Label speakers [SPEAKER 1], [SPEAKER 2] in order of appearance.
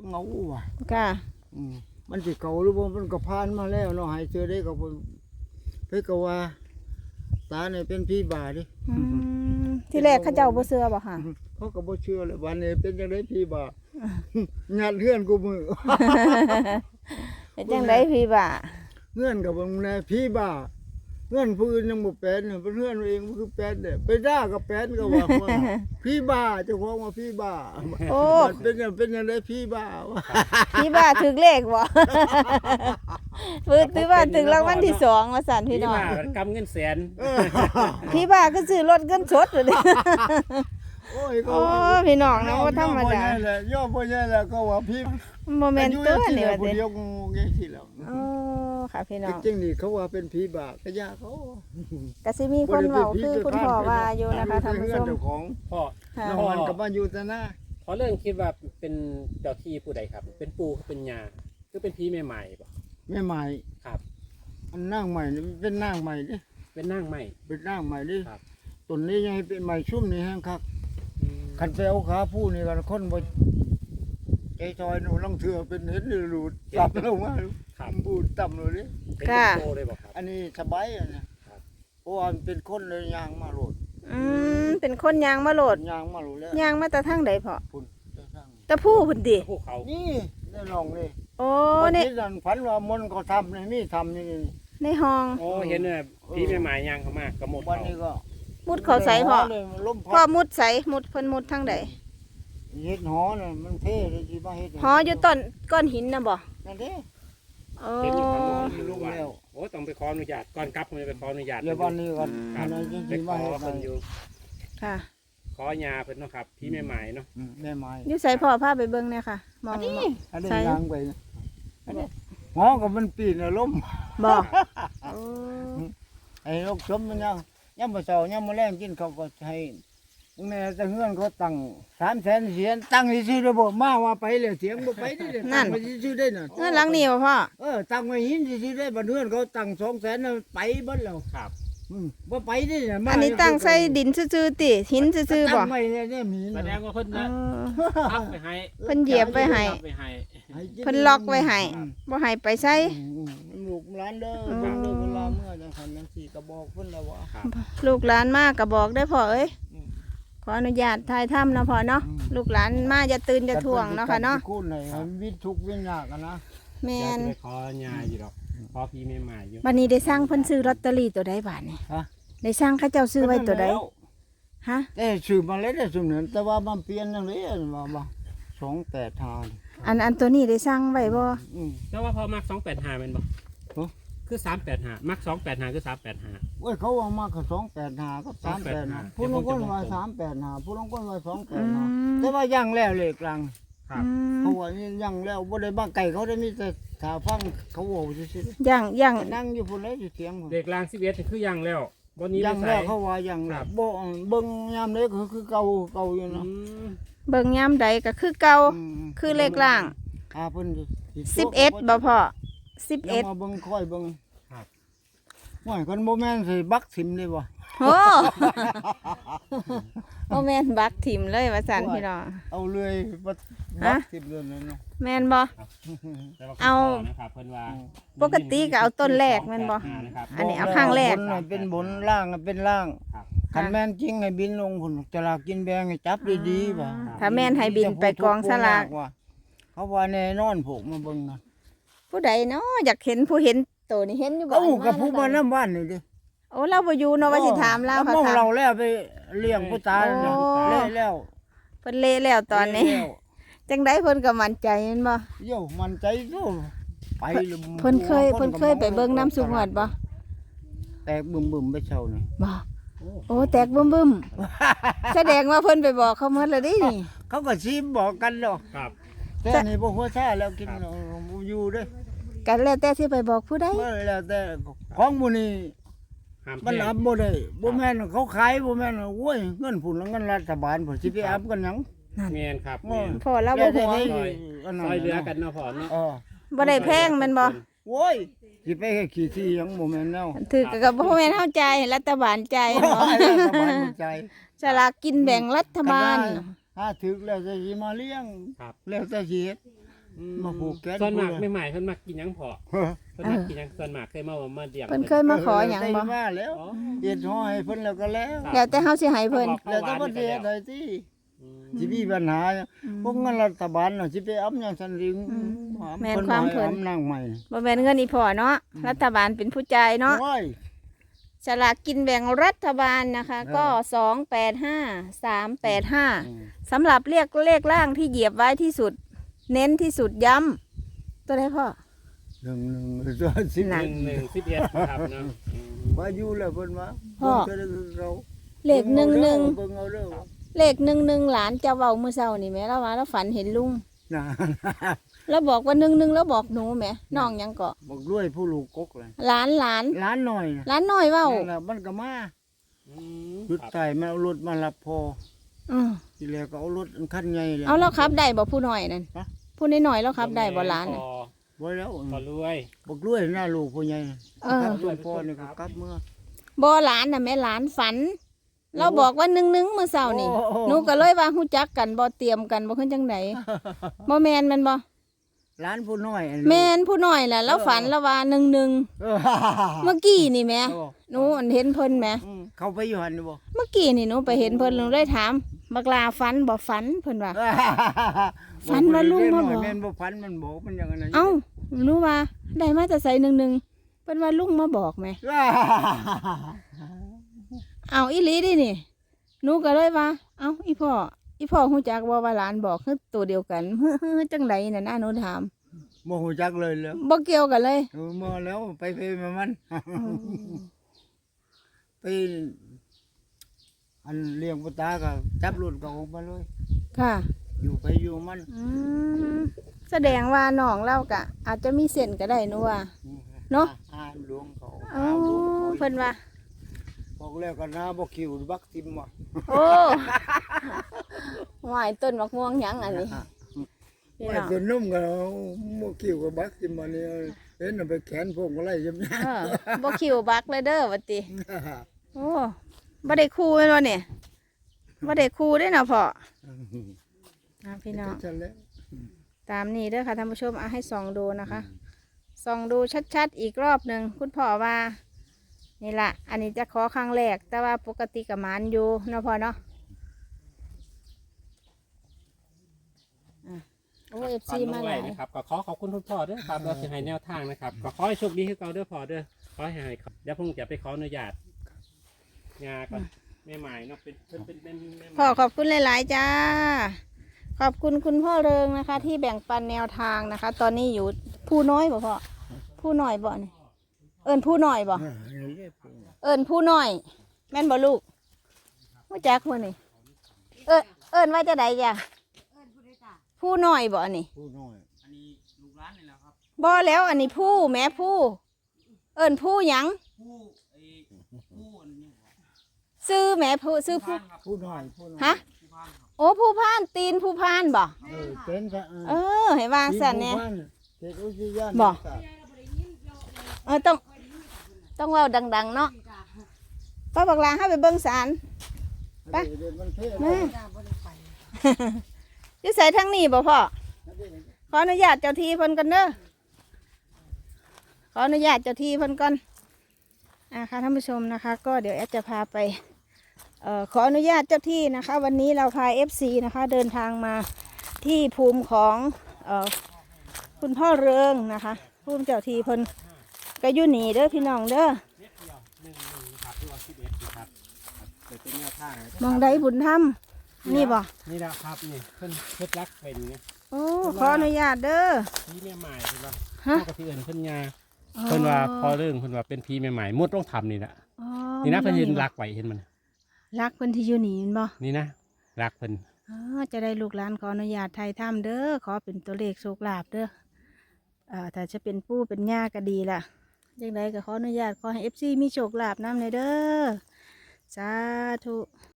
[SPEAKER 1] เงาว่ะ
[SPEAKER 2] ค่ะ
[SPEAKER 1] มันสิเก่าหรือบ่มันก็ผ่านมาแล้วเนาะให้เจอได้ก็บ่เพิ่นก็ว่าตาเนี่ยเป็นผีบ้าดิ
[SPEAKER 2] ที่แรกเขาเจ้าบ่เชื่อบ่ค่ะ
[SPEAKER 1] เขาก็บ่เชื่อเลยวันนี้เป็นจังได๋ผีบ้างัดเฮือนกูมือ
[SPEAKER 2] เป็นจังไดพี่บ่า
[SPEAKER 1] เฮือนก็บ่แน่ผีบ้าเฮือนผู้อื่นยังบ่เป็นน่ะเป็นเฮือนเองบ่คือเป็นเด้ไปด่าก็เป็นก็ว่าผีบ้าเจ้าของว่าผีบ้า
[SPEAKER 2] โอ้
[SPEAKER 1] มันเป็นจังได๋ผีบ้า
[SPEAKER 2] พี่บ่าถึกเลขบ่ ถือว่าถึงรางวัลที่2ว่าซั่นพี่น้อง
[SPEAKER 3] กำเงินแสน
[SPEAKER 2] พี่บ่าก็ซื้อรถเงินสดเลย
[SPEAKER 1] โอ้ย
[SPEAKER 2] โอ้พี่น้องนะบ่ธรรมดา
[SPEAKER 1] ย่อบ่ใช่แล้วก็ว่าผี
[SPEAKER 2] บ่แม่นตัวนี่ว่า
[SPEAKER 1] ผู้
[SPEAKER 2] ติ
[SPEAKER 1] เดียวงูจังซี่แล้ว
[SPEAKER 2] โอ้ค่ะพี่น้อง
[SPEAKER 1] จริงๆนี่เขาว่าเป็นผีบ้าก็ยาเขา
[SPEAKER 2] ก็สิมีคนเว้าคือคุณพ่อว่าอยู่นะคะท่านผู้ชม
[SPEAKER 1] เจ้าของ
[SPEAKER 3] พ่อ
[SPEAKER 2] ค่ะ
[SPEAKER 1] แล้วมันก็มาอยู่แต่หน้า
[SPEAKER 3] พอเรื่องคิดว่าเป็นเจ้าที่ผู้ใดครับ เป็นปู่เป็นยาคือเป็นพี่ใหม่ๆป่ะ
[SPEAKER 1] แม่ใหม่
[SPEAKER 3] ครับ
[SPEAKER 1] อันนางใหม่นี่เป็นนางใหม่ดิ
[SPEAKER 3] เป็นนางใหม่
[SPEAKER 1] เป็นนางใหม่ดิ
[SPEAKER 3] ครับ
[SPEAKER 1] ต้นนี้ยังให้เป็นใหม่ชุ่มนี่แห้งคักคันไปเอาขาผู้นี่กันคนบ่ใจซอยหนูลังเถื่อเป็นเห็นหลุดตับลงมา
[SPEAKER 3] ครับ
[SPEAKER 1] บูดต่ำเลยดิ
[SPEAKER 3] เป็น
[SPEAKER 2] ค่ะ
[SPEAKER 3] โตเลยบอกครับ
[SPEAKER 1] อันนี้สบายอ่ะนะครับ เพราะว่ามันเป็นคนเลยยางมาโหลด
[SPEAKER 2] เป็นคนยางมาโหลด
[SPEAKER 1] ยางมาโหลดแล้ว
[SPEAKER 2] ยางมาแต่ทางใดพ่อ
[SPEAKER 1] พุ่นเจ้าสร้าง
[SPEAKER 2] ตะผู้พุ่นติ
[SPEAKER 3] พวกเขา
[SPEAKER 1] นี่ได้ลองนี่
[SPEAKER 2] โอ้
[SPEAKER 1] วัน
[SPEAKER 2] ใน
[SPEAKER 1] ที่นั่นฝันว่ามนต์เขาทำนี่มีทำนี่
[SPEAKER 2] ในห้อง
[SPEAKER 3] โอ้เห็นเนี่ยพี่ใหม่ๆย่างเขามากกระหมด
[SPEAKER 1] วัน
[SPEAKER 3] เขา
[SPEAKER 1] นี้ก็
[SPEAKER 2] มุดเขาใส่พ่อ
[SPEAKER 1] ลม
[SPEAKER 2] พ่อ
[SPEAKER 1] พัด
[SPEAKER 2] มุดใส่มุดเพิ่นมุดทางใด
[SPEAKER 1] เฮ็ดหอน่ะมันเท่เลยสิมาเฮ็ด
[SPEAKER 2] หออยู่ต้นก้อนหินน่ะบ่
[SPEAKER 1] นั่นเด้
[SPEAKER 2] โอ้
[SPEAKER 3] เห็นอยู่ข้างนอก
[SPEAKER 1] มีลูกแล้ว
[SPEAKER 3] โอ้ต้องไปขออนุญาตก่อนกลับผมจะไปขออนุญาต
[SPEAKER 1] เดี๋ยววันนี้ก่อน
[SPEAKER 3] ครั
[SPEAKER 1] อั
[SPEAKER 3] บ
[SPEAKER 1] นนั้นจ
[SPEAKER 3] ไป
[SPEAKER 1] ริงๆ
[SPEAKER 3] ข
[SPEAKER 1] มา
[SPEAKER 3] อ
[SPEAKER 1] เฮ็ด
[SPEAKER 3] เพิ่นอยู่
[SPEAKER 2] ค่ะ
[SPEAKER 3] ขอยาเพิ่นเนาะครับพี่ใหม่ๆเนาะ
[SPEAKER 1] แม่ไม้
[SPEAKER 2] อยู่ใส่พ่อพาไปเบิ่งเนี่ยค่ะมอง
[SPEAKER 1] อันนี้
[SPEAKER 2] ใส่
[SPEAKER 1] ยางไปนะอันนี้หอก็มันปีนน่ะล้ม
[SPEAKER 2] บ่โอ้
[SPEAKER 1] ไอ้ลูกชมมันยังบ่เช้ายังบ่แรงกินเขาก็ให้มึงแม่แต่เฮือนเขาตั้ง300,000เสียนตั้งซื่อๆเด้อบ่มาว่าไปแล้วเสียงบ่ไปนี่เด้อตั้งไว้ซื่อๆได้น่ะ
[SPEAKER 2] เงินหลังนี้บ่พ่อ
[SPEAKER 1] ตั้งไว้หินซื่อๆได้บัดเฮือนเขาตั้ง200,000น่ะไปเบิดแล้ว
[SPEAKER 3] ครับ
[SPEAKER 1] บ่ไปนี่น่ะมา
[SPEAKER 2] อันนี้ตั้งใส่ดินซื่อๆติหินซื่อๆบ่
[SPEAKER 1] ตั้งไว้เนี่ยมี
[SPEAKER 3] แสด
[SPEAKER 1] น่ะ
[SPEAKER 3] งว่าเพิ่น
[SPEAKER 2] เอ
[SPEAKER 3] นะ
[SPEAKER 2] อ
[SPEAKER 3] พักไปให้
[SPEAKER 2] เพิ่นเหยียบไว้ให้
[SPEAKER 3] ไปให้
[SPEAKER 2] เพิ่นล็อกไว้ให้บ่ให้ไปใส่
[SPEAKER 1] ลูกหลานเด้อ
[SPEAKER 2] อืม
[SPEAKER 1] ฟังเด้อเวลาเมื่อจังซั่นจังซี่ก็บอกเพิ่นแล้วว่า
[SPEAKER 3] ครับ
[SPEAKER 2] ลูกหลานมาก็บอกได้อพ่อเอ้ย
[SPEAKER 1] อืม
[SPEAKER 2] ขออนุญาตถ่ายทำเนาะพ่อเนาะ
[SPEAKER 1] อืม
[SPEAKER 2] ลูกหลานมาอย่าตื่นอย่าท่วงเนาะค่ะเนาะ
[SPEAKER 1] คูณให้มันวิตทุกข์วิญญาณกันนะ
[SPEAKER 2] แม่
[SPEAKER 3] อยาก
[SPEAKER 2] น
[SPEAKER 3] จะไปขอยาอยู่ดอกขอพี่ใหม่ๆอยู่
[SPEAKER 2] บัดนี้ได้สร้างเพิ่นซื้อลอตเตอรี่ตัวใดบาดนี่
[SPEAKER 1] ฮะ
[SPEAKER 2] ได้สร้างเขาเจ้าซื้อไว้ตัวใดฮะ
[SPEAKER 1] แต่ชื่อมาแล้วได้สุ่มนั้นแต่ว่ามันเปลี่ยนจังได๋ว่า285
[SPEAKER 2] อันตัวนี้ได้สร้างไว้บ่
[SPEAKER 1] อืม
[SPEAKER 3] แต่ว่าพอมัก285แม่นบ่
[SPEAKER 1] ฮะ
[SPEAKER 3] คือ385มัก285คือ385
[SPEAKER 1] โอ้ยเขาว่ามาก็285กับ385ผู้ลางคนว่า385ผู้ลางคนว่า
[SPEAKER 2] อืม
[SPEAKER 1] 285แต่ว่ายังแล้วเลขกลาง
[SPEAKER 3] ครับ
[SPEAKER 2] อืม
[SPEAKER 1] เขาว่ายังแล้วบ่ได้บ้าไก่เขาได้มีแต่ถ้าฟังเขาเว้าซื่อ
[SPEAKER 2] ย่าง
[SPEAKER 1] ๆนั่งอยู่พุ่นเลยอยู่เสียงพุ่น
[SPEAKER 3] เด็กลาง11นี่คือยังแล้วบ่นี้
[SPEAKER 1] ยัง
[SPEAKER 3] ไป
[SPEAKER 1] แล้ว
[SPEAKER 3] ใส่
[SPEAKER 1] เขาว่ายัง
[SPEAKER 3] ค
[SPEAKER 1] แล้
[SPEAKER 3] รั
[SPEAKER 1] ว
[SPEAKER 3] บ
[SPEAKER 1] บ่เบิ่งยามนี้คือเก่าอยู่
[SPEAKER 3] อื
[SPEAKER 1] เนาะ
[SPEAKER 3] ม
[SPEAKER 2] เบิ่งยามใดก็คือเก่า
[SPEAKER 1] ม
[SPEAKER 2] คือเลขล่าง
[SPEAKER 1] เพิ่นสิ
[SPEAKER 2] 11บ่พ่อ
[SPEAKER 1] ยังมาเบิ่งค่อยเบิ่ง
[SPEAKER 3] ครับ
[SPEAKER 1] ว่าคนบ่แม่นสิบักสิมเลยบ่
[SPEAKER 2] โอ้โอ้แม่นบักถิ่มเลยว่าซั่นพี่น้อง
[SPEAKER 1] เอาเลยบั
[SPEAKER 2] ฮะ
[SPEAKER 1] กสิมเลยเนาะ
[SPEAKER 2] แม่นบ่
[SPEAKER 3] แต่ว่า
[SPEAKER 2] เอา
[SPEAKER 3] คุณพ่นะครับเพิ่นว่า
[SPEAKER 2] ปกติก็เอาต้นแรกแม่นบ่
[SPEAKER 3] นะครับ
[SPEAKER 2] อันนี้เอาข้างแรก
[SPEAKER 1] บนน่ะเป็นบนล่างน่ะเป็นล่าง
[SPEAKER 3] ครับ
[SPEAKER 1] คันแม่นจริงให้บินลงพุ่นจะลากกินแบงให้จับดีๆบ่
[SPEAKER 2] ถ้าแม่นให้บินไปกองสลาก
[SPEAKER 1] ว่เขาว่าแน่นอนพวกมาเบิ่งนะ
[SPEAKER 2] ผู้ใดเนาะอยากเห็นผู้เห็นตัวนี่เห็นอยู่บ่
[SPEAKER 1] เอ้ากับ
[SPEAKER 2] ม
[SPEAKER 1] ผู้มา
[SPEAKER 2] แล้ว
[SPEAKER 1] นำบ้านนี่ดิ
[SPEAKER 2] โอ้เราบ่อยู่เนาะว่าสิถามเรา
[SPEAKER 1] แล้ว
[SPEAKER 2] ค่ะ
[SPEAKER 1] มอง
[SPEAKER 2] ถาม
[SPEAKER 1] เราแล้วไปเลี้ยงผู้ตายเนี่ย
[SPEAKER 2] โอ้
[SPEAKER 1] เละแล้ว
[SPEAKER 2] เพิ่นเละแล้วตอนนี้
[SPEAKER 1] เละแล้ว
[SPEAKER 2] จังไดเพิ่นก็มั่นใจแม่นบ่
[SPEAKER 1] โย่มันใจสู้ไปเลย
[SPEAKER 2] เพิ่นเคยไปเบิ่งน้ำสุงวดบ่
[SPEAKER 1] แตกบึมๆไปเช้านี่
[SPEAKER 2] บ่โอ้แตกบึ้มๆแสดงว่าเพิ่นไปบอกเขาหมดแล้วดินี่
[SPEAKER 1] เขาก็ซีมบอกกันดอก
[SPEAKER 3] ครับ
[SPEAKER 1] แต่นี่บ่หัวซ่าแล้วกินอยู่เด้อ
[SPEAKER 2] กันแล้วแต่สิไปบอกผู้ใด
[SPEAKER 1] บ่แล้วแต่ของหมู่นี้
[SPEAKER 3] ห้าม
[SPEAKER 1] มัน
[SPEAKER 3] แพ
[SPEAKER 1] อั
[SPEAKER 3] ง
[SPEAKER 1] บบ่ได้บ่แม่นเขาขายบ่แม่นโอ้ยเงินพุ่นแล้วเงินรัฐบาลพุ่นสิไปอับกันหยัง
[SPEAKER 3] แม่นครับแม่น
[SPEAKER 2] พ่อเราบ่ห่วง
[SPEAKER 3] ซอยเหลือกันเนาะพ่อเนาะ
[SPEAKER 2] บ่ได้แพงแม่นบ่
[SPEAKER 1] โอ้ยสิไปให้ขี้ที่หยังบ่แม่นแนว
[SPEAKER 2] ถือก็บ่แม่นเฮาจ่ายรัฐบาลจ่ายเนาะ
[SPEAKER 1] รัฐบาลบ่ใจ
[SPEAKER 2] สลากกินแบ่งรัฐบาล
[SPEAKER 1] ถ้าถึกแล้วจะสิมาเลี้ยง
[SPEAKER 3] ครับ
[SPEAKER 1] แล้วแต่สิเฮ็ดมาผูกแขน
[SPEAKER 3] ส่วนมาก
[SPEAKER 1] ผูก
[SPEAKER 3] ไม่ใหม่เพิ่นมักกินหยังพอ
[SPEAKER 1] เฮ้อ
[SPEAKER 3] เพิ่นมักกินหยังส่วนมากเคยมาเลี้ยง
[SPEAKER 2] เพิ่นเคยมาขอหยังบ่
[SPEAKER 1] ได้มาแล้ว
[SPEAKER 3] อ๋อ
[SPEAKER 1] เฮ็ดห่อให้เพิ่นแล้วก็แล้ว
[SPEAKER 2] แล้วแต่เฮาสิให้เพิ่น
[SPEAKER 1] แล้วแต่บ่ได้เฮ็ดได้ติ
[SPEAKER 3] อืม
[SPEAKER 1] สิมีปัญหาพวกเงินรัฐบาลน่ะสิไปเอาหยังซั่นริง
[SPEAKER 2] แม่นความเพิ่น
[SPEAKER 1] อำนางใหม่
[SPEAKER 2] บ่แม่นเงินอีพ่อเนาะรัฐบาลเป็นผู้จ่ายเนาะ
[SPEAKER 1] โอ้ย
[SPEAKER 2] สลากกินแบ่งรัฐบาลนะคะ ก็ 285 385สำหรับเรียกเลขล่างที่เหยียบไว้ที่สุด เน้นที่สุดย้ำตัวใดพ่อ
[SPEAKER 1] หนึ่งตัวสิบ
[SPEAKER 2] หนัก
[SPEAKER 3] 11ครับเนาะอืม
[SPEAKER 1] ว่าอยู่แล้วเพิ่นว่า
[SPEAKER 2] พ่อ
[SPEAKER 1] เพิ่นก็เรา
[SPEAKER 2] เลข11
[SPEAKER 1] เบิ่งเอาเด้อ
[SPEAKER 2] เลข11หลานจะเว้ามื้อเช้านี่แหม่แล้วว่าแล้วฝันเห็นลุง
[SPEAKER 1] นะ
[SPEAKER 2] แล้วบอกว่า11แล้วบอกหนูแหมน้องหยังเกาะ
[SPEAKER 1] บอกด้วยผู้ลูกกกเลย
[SPEAKER 2] หลาน
[SPEAKER 1] ร้านหน่อยนะ
[SPEAKER 2] หลานน้อยเว้า
[SPEAKER 1] นั่นน่ะมันก็มา
[SPEAKER 3] อืม
[SPEAKER 1] หยุด
[SPEAKER 3] ครับ
[SPEAKER 1] ใส่มาเอารถมารับพอ
[SPEAKER 2] อือ
[SPEAKER 1] ทีแรกก็เอารถคันใหญ่เลย
[SPEAKER 2] เอาแล้วครับได้บ่ผู้น้อยนั่น
[SPEAKER 1] ฮะ
[SPEAKER 2] ผู้น้อยๆแล้วครับได้บ่หลาน
[SPEAKER 3] พ
[SPEAKER 2] น่ะ
[SPEAKER 3] อ
[SPEAKER 1] ไว้แล้ว
[SPEAKER 3] พอรวย
[SPEAKER 1] บอกด้วยหน้าลูกผู้ใหญ่
[SPEAKER 2] เออ
[SPEAKER 1] ครับหลวงพ่อนี่ก็กลับเมื่อ
[SPEAKER 2] บ่หลานน่ะแม่หลานฝัน เราบอกว่า11มื้อเช้านี่
[SPEAKER 1] โอ้โห
[SPEAKER 2] หนูก็เลยว่าฮู้จักกันบ่เตรียมกันบ่คือจังไดบ่แม่นแม่นบ่
[SPEAKER 1] ร้านผู้น้อย
[SPEAKER 2] แม่นผู้น้อยแหละแล้วฝันแล้วว่า11
[SPEAKER 1] เออ
[SPEAKER 2] เมื่อกี้นี่แหม่
[SPEAKER 1] โอ้
[SPEAKER 2] หนูอันเห็นเพิ่นแหม
[SPEAKER 1] เข้าไปอยู่หันนี่บ่
[SPEAKER 2] เมื่อกี้นี่หนูไปเห็นเพิ่นหนูเลยถามบักลาฝันบ่ฝันเพิ่นว่า ฝันว่าลุงมาบอก
[SPEAKER 1] แม่นบ่ฝันมันบอกมันอย่างนั้น
[SPEAKER 2] เอ้าหนูว่าได้มาแต่ใส่11เพิ่นว่าลุงมาบอกแหมเอ้าอีหลีดินี่หนูก็เลยว่าเอ้าอีพ่อฮู้จักบ่ว่าหลานบอกคือตัวเดียวกัน จังไดน่ะนะหนูถาม
[SPEAKER 1] บ่ฮู้จักเลยแล้ว
[SPEAKER 2] บ่เกี่ยวกันเลย
[SPEAKER 1] มาแล้วไปมามัน ไปอันเลี้ยงปตาก็จับรถก็ออกมาเลย
[SPEAKER 2] ค่ะ
[SPEAKER 1] อยู่ไปอยู่มัน
[SPEAKER 2] อืมแสดงว่าน้องเราก็อาจจะมีเส้นก็ได้หนูว่า เนาะ
[SPEAKER 1] อ่หลวงเขา
[SPEAKER 2] อ๋อ
[SPEAKER 1] หลวงเขา
[SPEAKER 2] เพิ่นว่า
[SPEAKER 1] บอกแล้วก็น่าบ่คิวบักติมว่ะ
[SPEAKER 2] โอ้หวายต้นมะม่วงหยังอันนี้พี่
[SPEAKER 1] ไม่
[SPEAKER 2] น้อง
[SPEAKER 1] เป็นนุ่มก็บ่คิวกับบักติมมาเนี่ยเห็นเอาไปแขนพวกอะไรจำเนี่ย
[SPEAKER 2] เออบ่คิวบักเลยเด้อวัดติโอ้บ่ได้คู่แม่นบ่เนี่ยบ่ได้คู่เด้อนะพ่อนะพี่น้อง
[SPEAKER 1] ฉันแล้ว
[SPEAKER 2] ตามนี้เด้อค่ะท่านผู้ชมเอาให้ส่องดูนะคะส่องดูชัดๆอีกรอบหนึ่งคุณพ่อว่านี่ล่ะอันนี้จะขอครั้งแรกแต่ว่าปกติกับหมานอยู่เนาะพ่อเนาะอ่ะโอ้เอฟ
[SPEAKER 3] ฝัน
[SPEAKER 2] ซี
[SPEAKER 3] ล
[SPEAKER 2] มาง ห
[SPEAKER 3] ไว้
[SPEAKER 2] ลาย
[SPEAKER 3] นะครับก็ขอบคุณคุณพ่อด้วยครับเราจะให้แนวทางนะครับก็ขอให้โชคดีให้เราด้วยพ่อเด้อขอให้ครับเดี๋ยวผมจะไปขออนุญาตงาก่อนแม่ใหม่เนาะเป็นแม่ใหม่
[SPEAKER 2] พ่อขอบคุณหลาย ๆ จ้า ขอบคุณคุณพ่อเริงนะคะ ที่แบ่งปันแนวทางนะคะ ตอนนี้อยู่ผู้น้อยบ่พ่อผู้น้อยบ่นี่เอิญผู้น้อยบ่เอิญผู้น้อย แม่นบ่ลูกผู้จักผู้นี่เอิญว่าจะใดจ้ะผู้น้อยบ่นี่
[SPEAKER 1] ผู้น้อย
[SPEAKER 2] บ่แล้วอันนี้ผู้แม่ผู้เอิญผู้หยังซื้อแม่ผู้ซื้อผู้
[SPEAKER 1] ผู้น้อยผู้น้อย
[SPEAKER 2] ฮะโอ้ผู้พานตีนผู้พานบ่
[SPEAKER 1] เป็นซะ
[SPEAKER 2] เออให้วางสันเนี่ย
[SPEAKER 1] เขตอุทยาน
[SPEAKER 2] บ่ ต้องเว้าดัง ๆ เนาะป้าบักลาให้ไปเบิ่งศาล ไป แม่อยู่ใส่ทั้งนี้บ่พ่อขออนุญาตเจ้าที่เพิ่นกันเด้อขออนุญาตเจ้าที่เพิ่นก่อนค่ะท่านผู้ชมนะคะ ก็เดี๋ยวแอดจะพาไปขออนุญาตเจ้าที่นะคะ วันนี้เราพา FC นะคะ เดินทางมาที่ภูมิของคุณพ่อเริงนะคะภูมิเจ้าที่เพิ่นก็อยู่นี่เด้อพี่น้องเด้อ
[SPEAKER 3] ครับตัว11ครับเป็นแนวทาง
[SPEAKER 2] มองได้บุญธรรมนี่บ่
[SPEAKER 3] นี่แหละครับนี่เพิ่นรักเป็นเนี่ย
[SPEAKER 2] โอ้ขออนุญาตเด้อ
[SPEAKER 3] พี่แม่ใหม่เพิ่นว่า
[SPEAKER 2] ฮะ
[SPEAKER 3] เท่ากับที่อื่นเพิ่นยาเพิ่นว่าพอเรื่องเพิ่นว่าเป็นพี่แม่ใหม่มุดต้องทำนี่แหละ
[SPEAKER 2] อ๋อ
[SPEAKER 3] นี่นะเพิ่นเห็นรักไว้เห็นมัน
[SPEAKER 2] รักเพิ่นที่อยู่นี่แม่นบ่
[SPEAKER 3] นี่นะรักเพิ่น
[SPEAKER 2] อ๋อจะได้ลูกหลานขออนุญาตไทยถ้ำเด้อขอเป็นตัวเลขโชคลาภเด้อถ้าจะเป็นปู่เป็นย่าก็ดีล่ะยังไงก็ขออนุญาตขอให้ FC มีโชคลาภนำในเด้อสาธุ